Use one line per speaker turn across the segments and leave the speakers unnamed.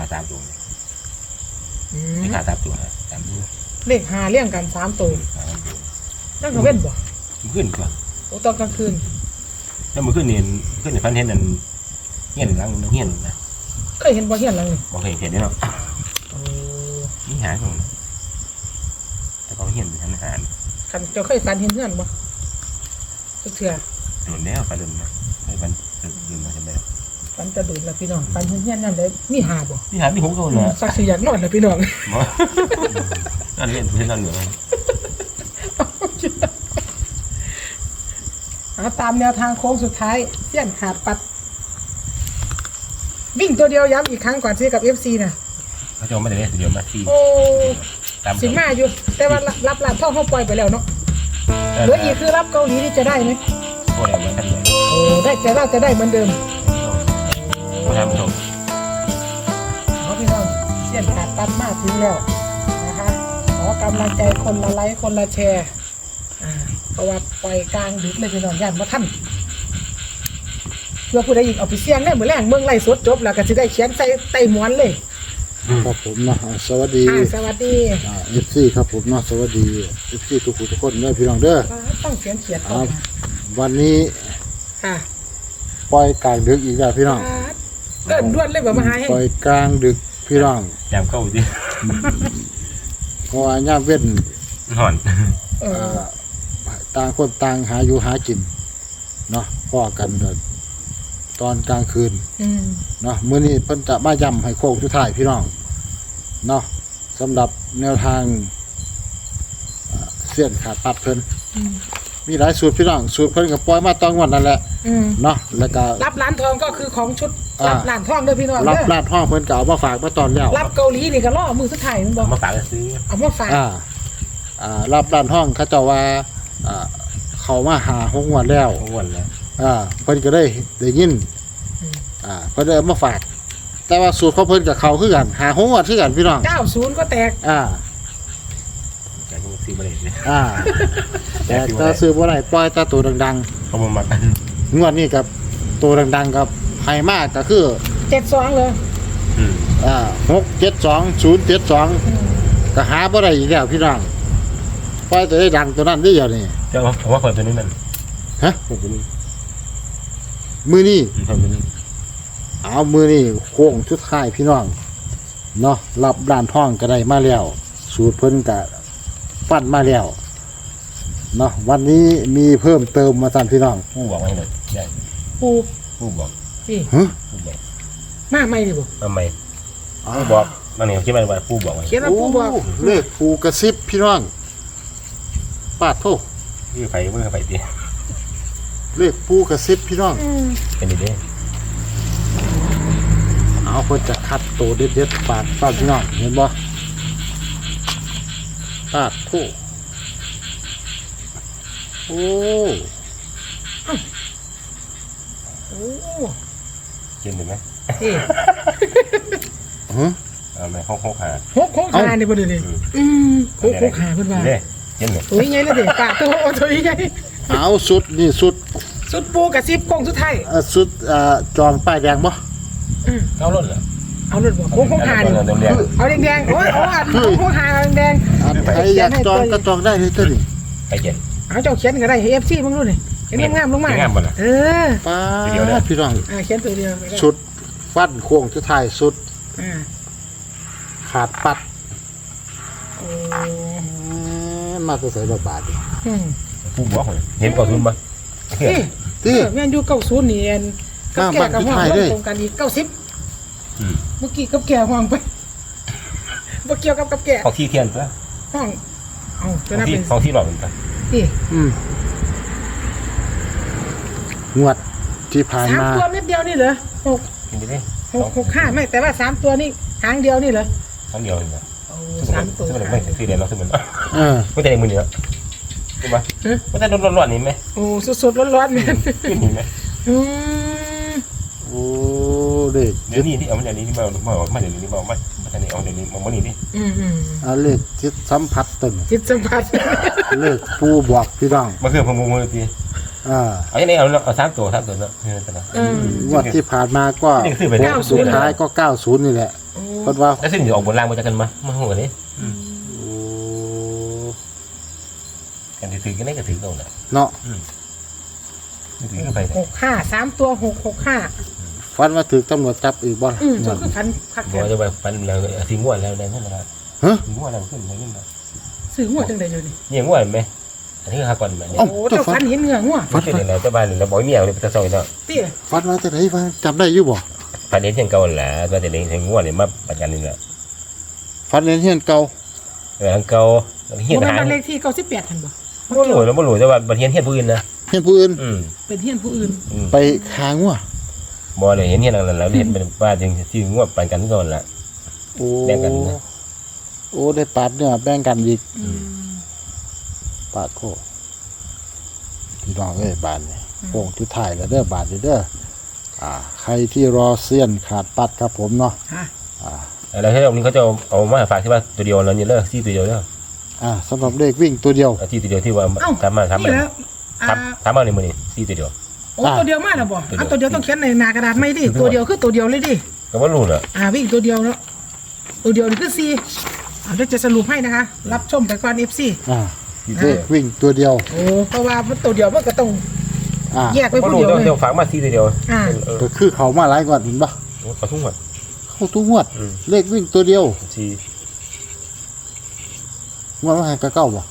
า3 ตัวเลขหา3 ตัว3 ตัว
เลข5เรียงกัน3 ตัวนั่นก็เว้นบ่
ขึ้นก่อน
โอ้ตอนกลางคืน
แล้วมันขึ้นนี่พันเห็นนั่นเฮียนหลังเฮียนนะ
เคยเห็นบ่เฮียนหลังนี่
บ่เคยเห็นเนาะ
โอ้
นี่หาของแต่เขาเฮียนทำอาหาร
คันเจ้าเคยฝันเห็นเฮือนบ่เทื่อ
โดนแล้วไปโดนมาให้มันดื่มมาจำได้
ฝันจะดูดแล้วพี่น้องฝันเห็นเฮือนนั่นได้มีหาบ่
นี่หาที่ผมก็เลย
สักสิอยากนอนแล้วพี่น้อง
นั่นเล่นเล่นนั่นเหนือ
ตามแนวทางโค้งสุดท้ายเสี้ยนขาดปัดวิ่งตัวเดียวย้ำอีกครั้งก่อนซื้อกับ FC นะ
เขาจะไม่ได้เล่นตัวเดียวมาที่
โอ้สิมาอยู่แต่ว่ารับหลานท่องเข้าปล่อยไปแล้วเนาะเหลืออีกคือรับเกาหลีนี่จะได้ไหม
โอ้ได้เหมือนกันเลย
โอ้ได้แต่ว่าจะได้เหมือนเดิม
โอ้ทำถูก
เอาพี่น้องเสี้ยนขาดปัดมากถึงแล้วนะคะขอกำลังใจคนละไลค์คนละแชร์เพราะว่าปล่อยกลางดึกเลยพี่น้องย่านมาท่านเพื่อผู้ใดอีกเอาไปเสี่ยงได้เหมือนแรงเมืองไล่สดจบแล้วก็จะได้เขียนใส่ไต้หมวนเลย
ครับผมนะสวัสดี
สวัสดี
FC ครับผมนะสวัสดี FC ทุกคนด้วยพี่น้องเด้อ
ต้องเขียนก่อน
วันนี้ปล่อยกลางดึกอีกแล้วพี่น้อง
เดินด้วนเลยแบบมาหาให้
ปล่อยกลางดึกพี่น้อง
ยามเข้าดิ
เพราะว่าย่ามเว้น
ห่อน
ต่างคนต่างหาอยู่หากินเนาะพ่อกันตอนกลางคืนเนาะมื้อนี้เพิ่นจะมาย้ำให้โค้งสุดท้ายพี่น้องเนาะสำหรับแนวทางเสี้ยนขาดปัดเพิ่นมีหลายสูตรพี่น้องสูตรเพิ่นก็ปล่อยมาตอนวันนั่นแหละเนาะแล้วก็
รับร้านทองก็คือของชุดรับร้านทองเด้อพี่น้อง
รับร้านทองเพิ่นก็เอามาฝากมาตอนแล้ว
รับเกาหลีนี่ก็รอมือสุดท้ายมันบ่
มาฝากซื้อ
เอามาฝาก
รับร้านทองเขาเจ้าว่าเขามาหา6 งวดแล้ว
6 งวดแล้ว
เพิ่นก็ได้ยินเพิ่นได้มาฝากแต่ว่าสูตรของเพิ่นกับเขาคือกันหา6 งวดคือกันพี่น้อง
90ก็แตก
แต่ก็ซื้อบ่ได้เลย
แต่ถ้าซื้อบ่ได้ปล่อยแต่ตัวดัง
ๆเขาบ่มัก
งวดนี้กับตัวดังๆกับไฮมากก็คือ
72เลย
672 072ก็หาบ่ได้อีกแล้วพี่น้องปล่อยตัวได้ดังตัวนั้นได้อย่างนี้
เจ้าผมว่าคนตัวนี้มันตัวนี้
มือนี่เอามือนี่โค้งชุดท้ายพี่น้องเนาะรับด้านท่องก็ได้มาแล้วสูตรเพิ่นก็ฟันมาแล้วเนาะวันนี้มีเพิ่มเติมมาสั่นพี่น้อง
ผู้บอกไว้เลยได้ผู้บอก
พี่ผู้บอกมาใหม่ดิบ่
มาใหม่ผู้บอกมาเนี่ยเขียนไว้ผู้บอกไว้
เขียนว่าผู้บอก
เลขผู้กระซิบพี่น้องปาดโทษ
มือไฟตี
เลขผู้กระซิบพี่น้อง
เป็นยังไง
เอาคนจะคัดตัวเด็ดๆปาดพี่น้องเห็นบ่ปาดโทษโอ้
เขียนได้ไหมไม่6
5นี่บ่ได้นี่6 5เพิ่นว่า
เขียนเลย
โอ้ยไงล่ะเด็กปากตัวใหญ่
เอาสุดนี่สุด
ปูกับซิปโค้งสุดท้าย
สุดจองป้ายแดงบ่
เอารถเหรอ
เอารถบ่6 5นี่เอาแดงๆโอ้ย6 5แดง
ใครอยากจองก็จองได้เลยตัวนี้
ไปเขียน
เอาเจ้าเขียนก็ได้ FC มึงดูนี่เขียนงามลงมา
ป้าพี่น้อง
เขียนตัวเดียว
สุดฟันโค้งสุดท้ายสุดขาดปัดมาตัวใส่บาท
ผู้บอกเห็น90ป่ะ
แม่นอยู่90นี่กับแก่กับห้องตรงกันอีก90เมื่อกี้กับแก่ห้องไปบ่เกี่ยวกับแก่
ของที่เทียนป่ะ
ห้องเอาจะนับ
เป็นของที่หลอกเหมือนกัน
งวดที่ผ่านมา
3 ตัวเม็ดเดียวนี่เหรอ6 5ไม่แต่ว่า3 ตัวนี่หางเดียวนี่เหรอ
หางเดียวนี่เหรอ3 ตัวไม่คือเดียวเราคือมันไม่ได้มือเดียวใช่ไหมไม่ได้ร้อนๆนี่ไหม
โอ้สดๆร้อนๆนี่
ไหม
โอ้เด็ก
เดี๋ยวนี้ที่เอามาเดี๋ยวนี้มาเดี๋ยวนี้มาเดี๋ยวนี้เอาเดี๋ยวนี้มานี่ดิ
เลขจิตสัมผัสตึง
จิตสัมผัส
เลขผู้บอกพี่น้อง
มาคือผมมือตีเอาอย่างนี้เอา3 ตัวเนาะ
งวดที่ผ่านมาก็สุดท้ายก็90นี่แหละเพิ่นว่า
แล้วสิ่งที่ออกบนล่างมาจากกันมาหัวนี้
โอ้
กันถือกันได้ก็ถือเอาน่ะ
เนาะ
ถือกันไป
65 3ตัว665
ฟันมาถึกตำรวจจับอีกบ่
จนคือพันคัก
บ่จะไปฟันแล้วสิงวดแล้วได้นั่นแหละ
ฮะ
สิงวดแล้วขึ้นมาขึ้นมา
ซื้อหัวจังได๋อยู่นี่
นี่งวดมั้ยอันนี้หาก่อนมั้ย
โอ้เจ้าฟันเห็นเหงื่องัว
ฟันเป็นแล้วเจ้าบ้านแล้วบ่มีเอาเลยไปซอยเนาะ
ติ
ฟันมาจากไหนฟันจำได้อยู่บ่
ฟันเห็นเช่นเก่าแหละก็จะเห็นงวดนี่มาประกันนี่แหละ
ฟันเรียนเฮียนเก่า
ทางเก่าเฮียน
บ่
หา
แม่นบ้านเลขที่98หั่นบ่
บ่รู้แล้วบ่รู้แต่ว่าบ่เฮียนผู้อื่นนะ
เฮียนผู้อื่น
เป็นเฮียนผู้อื่น
ไปคางัว
บ่ได้เห็นเฮียนนั่นแล้วเห็นเป็นว่าจึงสิงวดประกันก่อนล่ะ
โอ้
แบ่งกันนะ
โอ้ได้ปาดเนี่ยแบ่งกันอีกปาดโคพี่น้องเอ้ยบานนี่โป่งจุดถ่ายแล้วเด้อบานนี่เด้อใครที่รอเสี้ยนขาดปัดครับผมเนาะ
ฮะ
แล้วที่ตรงนี้เขาจะเอามาฝากที่ว่าตัวเดียวแล้วนี่เลิกซี่ตัวเดียวเด้อ
สำหรับเลขวิ่งตัวเดียว
ที่ตัวเดียวที่ว่าทำมา
นี่แล้ว
ทำมาในมือนี่ซี่ตัวเดียว
โอ้ตัวเดียวมาแล้วบ่ตัวเดียวต้องเขียนในหน้ากระดาษไม่ดิตัวเดียวคือตัวเดียวเลยดิ
ก็ว่ารู้เหรอ
วิ่งตัวเดียวแล้วตัวเดียวนี่คือ4เดี๋ยวจะสรุปให้นะคะ รับชมไปก่อน FC
เลขวิ่งตัวเดียว
โอ้เพราะว่ามันตัวเดียวมันก็ต้อง แยกไป
ก็
ผู้
รู้
เดียวเลย
เดี๋ยวฝากมาซี่ตัวเดียว
ก็คือเขามาหลายก่อนเห็นปะ
ขอทุ่งหมด
เข้าทุกงวดเลขวิ่งตัวเดียว
ซี่
งวดว่าให้กระเก้าบ่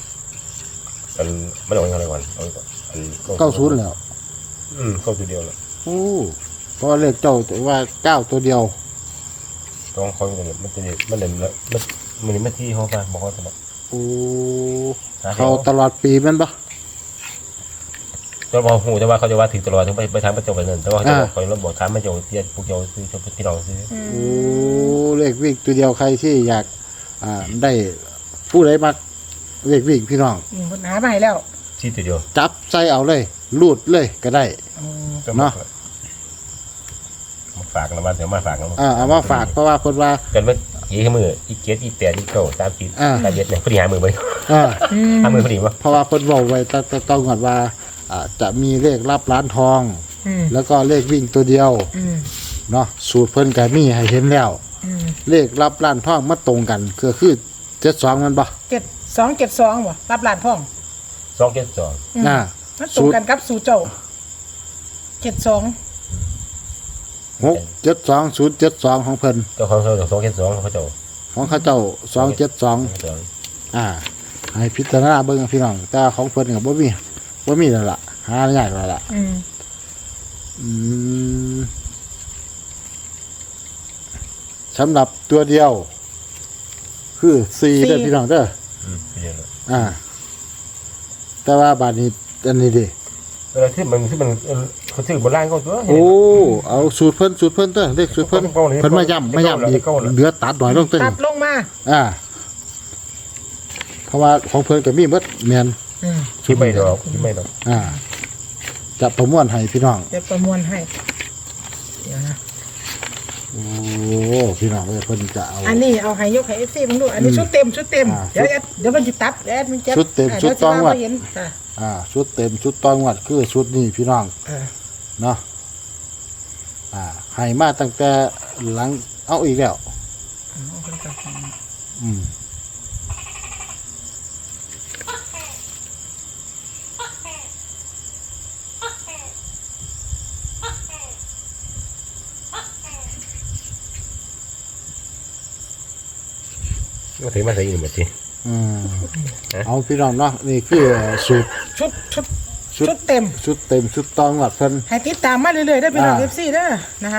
มันเอาอะไรก่อน
90แล้ว
เข้าตัวเดียวแล้ว
โอ้เพราะว่าเลขเจ้าแต่ว่า9ตัวเดียว
ต้องเขาเนี่ยมันจะมันเด่นแล้วมันไม่ที่เขาไปบอกเขาจะบอก
โอ้เขาตลอดปีแมันปะ
จะบอกหูจะว่าเขาจะว่าถึงตลอดถึงไปทางประจบไปนั่นแต่ว่าเขาเราบอกทางประจบเตี้ยพวกเจ้าซื้อพี่น้องซื้อ
โอ้เลขวิ่งตัวเดียวใครที่อยากได้ผู้ใดมักเลขวิ่งพี่น้อง
มันหามาให้แล้ว
ซี่ตัวเดียว
จับใจเอาเลยลูดเลยก็ได้ เนาะ
มาฝากแล้วมาเดี๋ยวมาฝากแล้ว
เอามาฝากเพราะว่าคนว่า
กันว่ายี่มืออีเกียร์อีแปดอีเก้า30ตาเย็ดเนี่ยพอดีหามือไป
อ่า
หามือพอดีวะ
เพราะว่าคนบอกไว้ต้องก่อนว่าจะมีเลขรับร้านทอง แล้วก็เลขวิ่งตัวเดียวเนาะสูตรเพิ่นกับมีให้เห็นแล้วเลขรับร้านทองมาตรงกันก็คือ72มันปะ
7272บ่รับหลานพ่อง
272
มันตรงกันกับสูเจ้า72
672072ของเพิ่น
เจ้าของเขา272เขาเจ้า
ของเขาเจ้า272ให้พิจารณาเบิ่งพี่น้องแต่ของเพิ่นก็บ่มีแล้วล่ะหายากแล้วล่ะสำหรับตัวเดียว คือ4เด้อพี่น้องเด้อแต่ว่าบาดนี้อันนี้ดิ
ที่มันเขาซื้อบนล่างเขาตัว
โอ้เอาสูตรเพิ่นเด้อเลขสูตรเพิ่นมาย้ำอีกเหลือตัดหน่อยลงตัว
ตั
นี้
ดลงมา
เพราะว่าของเพิ่นก็มีหมดแม่น
คิดไม่ดอก
จะประมวลให้พี่น้อง
จะประมวลให้เดี๋ยวนะ
โอ้พี่น้องเพิ่นจะเอา
อันนี้เอาให้ยกให้ FC มึงดูอันนี้ชุดเต็มเดี๋ยวมันสิตัดมันจะ
ชุดเต็มชุดต้องวัด
เห็น
ชุดเต็มชุดต้องวัดคือชุดนี้พี่น้องเนาะให้มาตั้งแต่หลังเอาอีกแล้ว
ก็ถือมาใส่อยู่หมดที
เอาพี่น้องเนาะนี่คือสูตร
ชุดเต็ม
ชุดต้องวัดเพิ่น
ให้ติดตามมาเรื่อยๆได้พี่น้อง FC เด้อนะคะ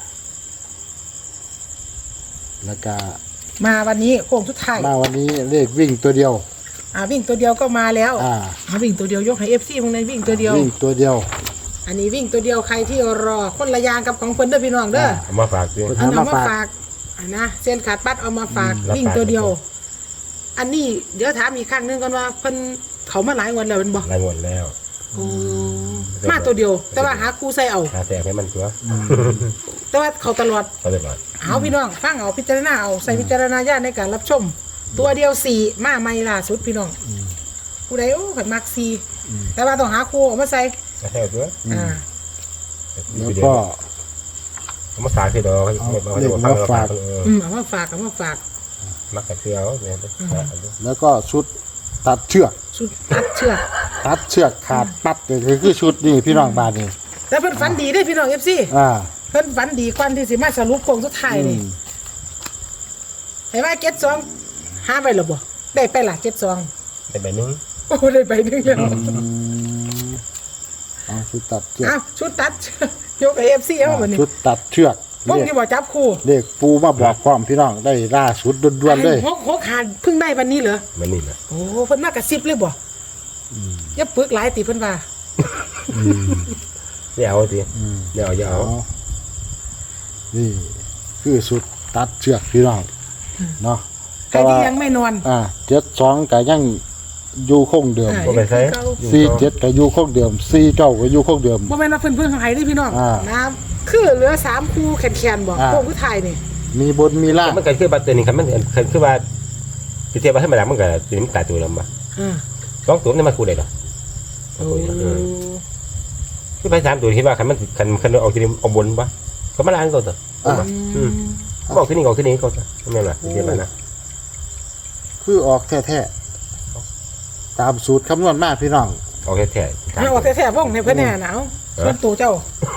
แล้วก็
มาวันนี้โค้งสุดท้าย
มาวันนี้เลขวิ่งตัวเดียว
วิ่งตัวเดียวก็มาแล้ววิ่งตัวเดียวยกให้ FC มึงในวิ่งตัวเดียว
วิ่งตัวเดียว
อันนี้วิ่งตัวเดียวใครที่รอคนละยางกับของเพิ่นเด้อพี่น้องเด้อ
เอามาฝากด้วย
อันเอามาฝากนะเส้นขาดปัดเอามาฝากวิ่งตัวเดียว อันนี้เดี๋ยวถามอีกครั้งนึงก่อนว่าเพิ่นเขามาหลายวันแล้วเป็นบ่
รายหมดแล้ว
มาตัวเดียว แต่ว่าหาครูใส่เอา
หาแสกให้มันตัว
แต่ว่าเขาตลอด
ก็เลยมา
เอาพี่น้องฟังเอาพิจารณาเอาใส่พิจารณาญาณในการรับชม ตัวเดียว4มาใหม่ล่าสุดพี่น้องผู้ใดขันมัก4แต่ว่าต้องหาครูเอามาใส่
แค่ตัว
แล้วก็
มาฝากคือดอกมาฝาก
เอามาฝาก
มักกับเสื้อเนี่ย
แล้วก็ชุดตัดเชือก
ชุดตัดเชือก
ขาดปัดก็คือชุดนี่พี่น้องบ้านนี่
แต่เพิ่นฝันดีได้พี่น้อง FC เพิ่นฝันดีกว่าที่สิมาสรุปโครงสุดท้ายนี่เห็นว่า72หาไปหรอบ่ได้ไปล่ะ72
ได้ใบนึง
โอ้ได้ไปนึงแล้ว
เอาชุดตัดเชือก
อ้าวชุดตัดยกไอ้ FC เอาบัดนี้
ชุดตัดเชือก
พวกนี้บ่จับคู่
เลขปูมาบอกความพี่น้องได้ล่าสุดด่วนๆเลย
หัวขาดเพิ่งได้วันนี้เหรอ
มันนี่นะ
โอ้เพิ่นมากระซิบเลยบ่อย่าปึกหลายติเพิ่นว่า
ไม่เอาสิไม่เอาอย่าเอา
นี่คือชุดตัดเชือกพี่น้องเนาะ
ใครที่ยังไม่นอน
72ก็ยังอยู่คงเดิม
บ่ไปใช้
47ก็อยู่คงเดิม49ก็อยู่คงเดิม
บ่แม่นว่าเพิ่นให้เด้พี่น้องน้ำคือเหลือ3คู่แขนๆบ่พวกผู้ชายนี่
มีบนมีล่าง
มันก็คือบัตรตัวนี้ครับมันคือว่าเทียบว่าให้มาแล้วมันก็ตัวนี้มันตายตัวแล้วมา2ตัวนี่มันคู่ได้หรอคือไป3ตัวคิดว่าคันมันคันเอาที่นี่เอาบนบ่ก็มาล้างก่อนต่อบอกที่นี่ออกที่นี่ก่อนแม่นล่ะเทียบนะ
คือออกแท้ๆตามสูตรคำนวณมาพี่น้อง
ออกแท้ๆ
ให้ออกแท้ๆวงให้เพิ่นแน่หนาวส่วนตัวเจ้า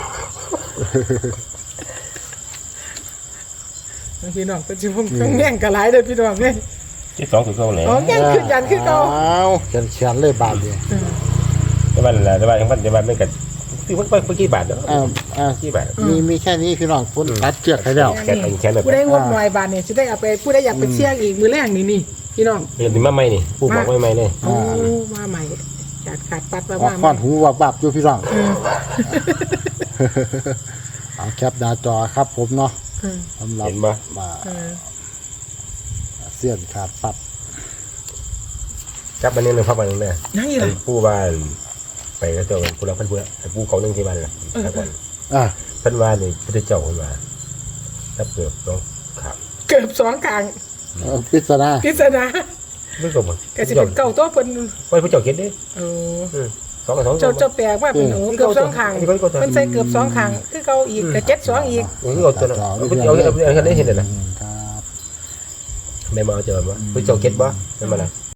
พี่น้องเป็นสิวงแง่งกะหลายเด้อพี่น้องเด้
ที่2คือเก่าแล้ว
อ๋อแง่งคือกันคือเก่า
เขียนเลยบาทเดียว
แต่ว่านั่นแหละแต่ว่ายังมันจะว่ามันก็คือมันไปกี่บาทเนาะกี่บาท
มีแค่นี้พี่น้องคนตัดเชือกให้แล้ว
แค่แบบ
ผู้ได้งบหน่อยบาทเนี่ยสิได้เอาไปผู้ได้อยากไปเสี่ยงอีกมื้อแรกนี่พี่น้อง
เห็นมาใหม่นี่ผู้บอกใหม่เลย
โอ้มาใหม่ขาดปัดมา
ออกข้อนหูวับๆอยู่พี่น้องเอาแคปหน้าจอครับผมเนาะสำหรับ
เห็นบ่
เสี้ยนขาดปัด
จับมันนี่นึงพักมันนึงเนี่ย
นั่งอยู่ล่ะ
ผู้บ้านไปก็เจ้าผู้รักเพิ่นผู้ไอ้ผู้เขานึงที่บ้านล่ะก่อนเพิ่นว่านี่พุทธเจ้าเพิ่นว่าถ้าเกิดต้องขาด
เกือบ2ครั้ง
พิศนา
ไม่ก็บ่
ก็สิเป็นเก่าตัวเพิ่น
ไว้ผู้เจ้าเก็ดดิ 2กับ2
เจ้าแปลกว่าเป็นเกือบ2ครั้งเพิ่นใส่เกือบ2ครั้งคือเก่าอีกก็72อีก
นี่ก็ตัวนั้นผู้เจ้าเอาได้เห็นน่ะ
ครับ
แม่มาเจอบ่ผู้เจ้าเก็ดบ่แม่นบ่ล่ะ